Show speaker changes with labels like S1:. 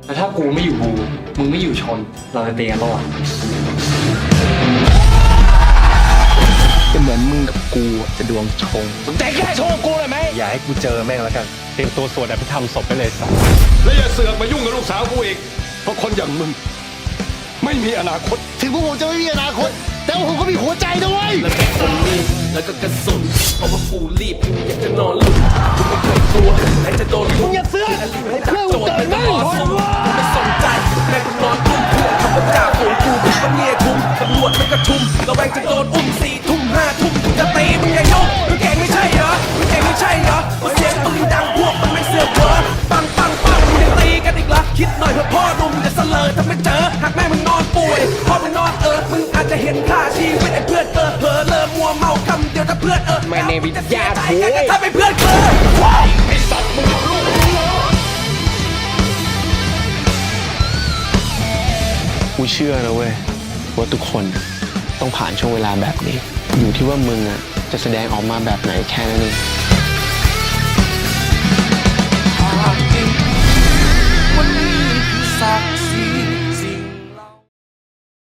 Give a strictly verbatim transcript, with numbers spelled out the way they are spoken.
S1: แล้วถ้ากูไม่อยู่บูมึงไม่อยู่ชนเราจะเตีกันปะวะ
S2: จะเหมือนมึงกับกูจะดวงชง
S3: มึงแต่แค่โชว์กูเลยไหม
S2: อย่าให้กูเจอแม่งแล้วกันเตรียมตัวสวดอภิธรรมศพไปเลยสัส
S3: แล้วอย่าเสือกมายุ่งกับลูกสาวกูอีกเพราะคนอย่างมึงไม่มีอนาคต
S4: ถึงพวกผมจะไม่มีอนาคตแต่ว่าผมก็มีหัวใจด้วย
S5: แล้วก็คนรีบแล้วก็กระสุนเพราะว่ากูรีบกูอยากจะนอนหลุดกูไม่เคยกลัวใครจะโดนมึงอย่าเสือกเพื่อนกูเกิดไม่กูไม่สนใจแม่กูนอนทุ่มเพื่อนขับรถจ่าฝูงกูเป็นปะเนี่ยทุ่มตำรวจไม่กระชุมระแวงจะโดนอุ้มสี่ทุ่มห้าทุ่มกูจะตีมึงอย่ายกมึงเก่งไม่ใช่เหรอมึงเก่งไม่ใช่เหรอมาเสียงปืนดังพวกมันไม่เสือกเหรอปังปังปังมึงยังตีกันอีกเหรอคิดหน่อยเถอะพ่อหนุ่มจะเสลอถ้าไม่เจอหากแม่มึงนอนป่วยพ่อมึงนอนเออมึงอาจจะเห็นค่าชีวิตไอ้เพื่อนเออเผลอเลิมมัวเมาคำเดียวถ้าเพื่อนเออไม่ในวิทยาคุยถ้าเป็นเพื่อนเออไอ้สัตว์มึงลูก
S2: กูเชื่อนะเว้ยว่าทุกคนต้องผ่านช่วงเวลาแบบนี้ อยู่ที่ว่ามึงอ่ะจะแสดงออกมาแบบไหนแค่นั้นเอง